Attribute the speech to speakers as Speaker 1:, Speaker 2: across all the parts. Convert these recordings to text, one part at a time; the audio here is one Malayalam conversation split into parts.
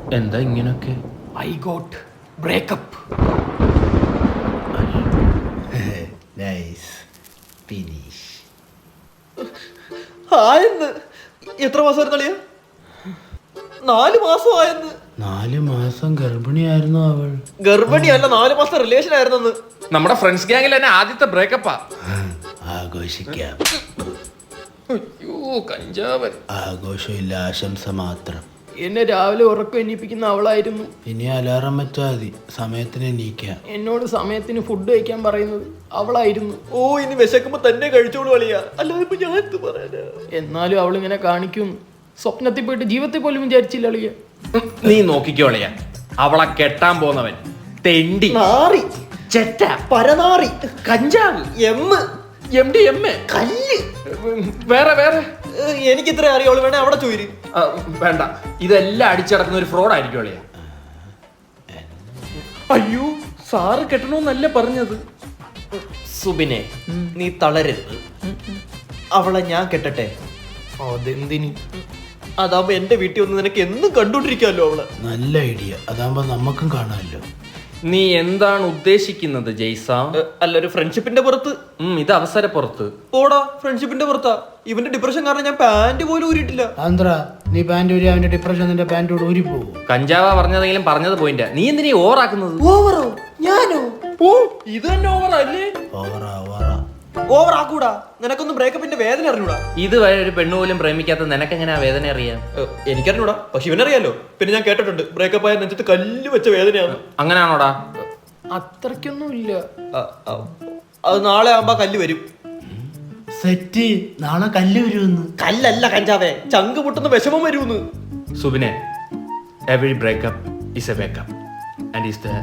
Speaker 1: എന്താ ഇങ്ങനൊക്കെ?
Speaker 2: I got breakup.
Speaker 3: Nice finish.
Speaker 2: ആയെന്ന് എത്ര മാസമായിരുന്നു അളിയ? 4 മാസം ആയെന്ന്.
Speaker 3: 4 മാസം ഗർഭിണിയായിരുന്നു അവൾ.
Speaker 2: ഗർഭിണിയല്ല, 4 മാസം റിലേഷൻ ആയിരുന്നെന്ന്.
Speaker 1: നമ്മുടെ ഫ്രണ്ട്സ് ഗ്യാങ്ങിൽ തന്നെ ആദ്യത്തെ ബ്രേക്കപ്പാ.
Speaker 3: ആഘോഷിക്കാം.
Speaker 1: അയ്യോ കഞ്ചാവൻ.
Speaker 3: ആഘോഷമില്ല, ആശംസ മാത്രം.
Speaker 2: എന്നെ രാവിലെ ഉറക്കം എണീപ്പിക്കുന്ന അവളായിരുന്നു.
Speaker 3: ഇനി അലാറം വെച്ചാൽ മതി, സമയത്തിന് എണീക്കാം.
Speaker 2: എന്നോട് സമയത്തിന് ഫുഡ് കഴിക്കാൻ പറയുന്നത് അവളായിരുന്നു. ഓ ഇനി വിശക്കുമ്പോ തന്നെ കഴിച്ചോളൂ അളിയ, അല്ലാതെ ഇപ്പൊ ഞാൻ എന്ത് പറയാനാ? എന്നാലും അവളിങ്ങനെ കാണിക്കും. സ്വപ്നത്തിൽ പോയിട്ട് ജീവിതത്തിൽ പോലും വിചാരിച്ചില്ല അളിയ.
Speaker 1: നീ നോക്കിക്കോളിയ, അവളെ കെട്ടാൻ പോന്നവൻ തെണ്ടി,
Speaker 2: നാറി,
Speaker 1: ചെറ്റ,
Speaker 2: പരനാറി,
Speaker 1: കഞ്ചാവ്, MDMA,
Speaker 2: കല്ല്.
Speaker 1: വേറെ വേറെ
Speaker 2: എനിക്ക് ഇത്ര അറിയാവുള്ളൂ, വേണേ അവിടെ ചോദിര്.
Speaker 1: വേണ്ട, ഇതെല്ലാം അടിച്ചടക്കുന്ന ഒരു ഫ്രോഡ് ആയിരിക്കും അളിയ. അയ്യോ സാറ് കെട്ടണമെന്നല്ല പറഞ്ഞത്.
Speaker 2: സുബിനെ നീ തളരരുത്, അവളെ ഞാൻ കെട്ടട്ടെ. അതെന്തിന്? അതാവുമ്പോ എന്റെ വീട്ടിൽ വന്ന് നിനക്ക് എന്നും കണ്ടോണ്ടിരിക്കാമല്ലോ അവളെ.
Speaker 3: നല്ല ഐഡിയ, അതാകുമ്പോ നമുക്കും കാണാമല്ലോ.
Speaker 1: നീ എന്താണ് ഉദ്ദേശിക്കുന്നത് ജയ്സ?
Speaker 2: അല്ല, ഒരു ഫ്രണ്ട്ഷിപ്പിന്റെ പുറത്ത്.
Speaker 1: ഇത് അവസര പുറത്ത്.
Speaker 2: ഓടാ, ഫ്രണ്ട്ഷിപ്പിന്റെ പുറത്താ. ഇവന്റെ ഡിപ്രഷൻ കാരണം ഞാൻ പാന്റ് പോലും ഊരിയിട്ടില്ല.
Speaker 3: ആന്ധ്ര, നീ പാന്റ് ഊരി അവന്റെ ഡിപ്രഷൻ നിന്റെ പാന്റോട് ഊരി പോകും.
Speaker 1: കഞ്ചാവ പറഞ്ഞതെങ്കിലും പറഞ്ഞത് പോയിന്റ്. നീ എന്തിനാ ഓവറാക്കുന്നത്?
Speaker 2: ഓവറോ? ഞാനോ?
Speaker 1: ഓ ഇത് തന്നെ ഓവറല്ലേ?
Speaker 3: ഓവറാ ഓവറാ.
Speaker 2: ഓവർ ആക്കൂടാ. നിനക്കൊന്നും ബ്രേക്കപ്പിന്റെ വേദന അറിഞ്ഞൂടാ.
Speaker 1: ഇതുവരെ ഒരു പെണ്ണു പോലും പ്രേമിക്കാത്ത നിനക്ക് എങ്ങനെ ആ വേദന അറിയാം?
Speaker 2: എനിക്കറിഞ്ഞൂടാ, പക്ഷെ ഇവനറിയാലോ. പിന്നെ ഞാൻ കേട്ടിട്ടുണ്ട് ബ്രേക്കപ്പ് ആയ നെഞ്ചത്ത് കല്ല് വെച്ച വേദനയാണ്.
Speaker 1: അങ്ങനെയാണോടാ?
Speaker 2: അത്രയ്ക്കൊന്നും ഇല്ല. അത് നാളെ ആവുമ്പോ കല്ല് വരും.
Speaker 3: സെറ്റ്, നാളെ കല്ല് വരുമെന്ന്.
Speaker 2: കല്ലല്ല കഞ്ചാവേ, ചങ്ക് പൊട്ടുന്ന വിഷമം വരുമെന്ന്.
Speaker 1: സുബിനെ, every breakup is a wake up and is the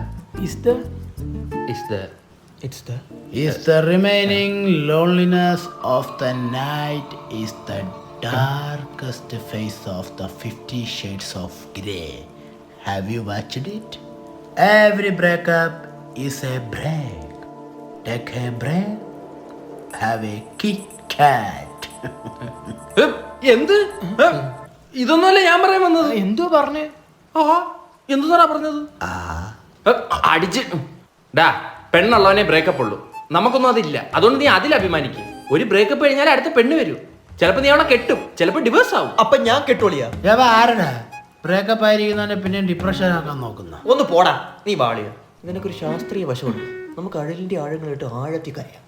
Speaker 3: Is the remaining loneliness of the night is the darkest face of the 50 Shades of Grey. Have you watched it? Every breakup is a break. Take a break. Have a Kit Kat.
Speaker 1: എന്ത്? ഇതൊന്നുമല്ല ഞാൻ പറയാൻ വന്നത്.
Speaker 2: എന്തോ പറഞ്ഞേ?
Speaker 1: എന്തുന്നാ പറഞ്ഞത്? അടിച്ച് ഡാ, പെണ്ണുള്ളവനെ ബ്രേക്കപ്പ് ഉള്ളൂ. നമുക്കൊന്നും അതില്ല. അതുകൊണ്ട് നീ അതിൽ അഭിമാനിക്കും. ഒരു ബ്രേക്കപ്പ് കഴിഞ്ഞാൽ അടുത്ത പെണ്ണ് വരും. ചിലപ്പോ നീ അവളെ കെട്ടും, ചിലപ്പോ ഡിവേഴ്സ് ആവും.
Speaker 2: അപ്പൊ ഞാൻ കെട്ടോളിയാ?
Speaker 3: ആരടാ ബ്രേക്കപ്പ് ആയിരിക്കുന്നവനെ പിന്നെ ഡിപ്രഷൻ ആക്കാൻ നോക്കുന്ന?
Speaker 2: ഒന്ന് പോടാ നീ വാളിയ. നിനക്കൊരു ശാസ്ത്രീയ വശമുണ്ട്. നമുക്ക് അഴലിന്റെ ആഴങ്ങളിട്ട് ആഴത്തി കരയാം.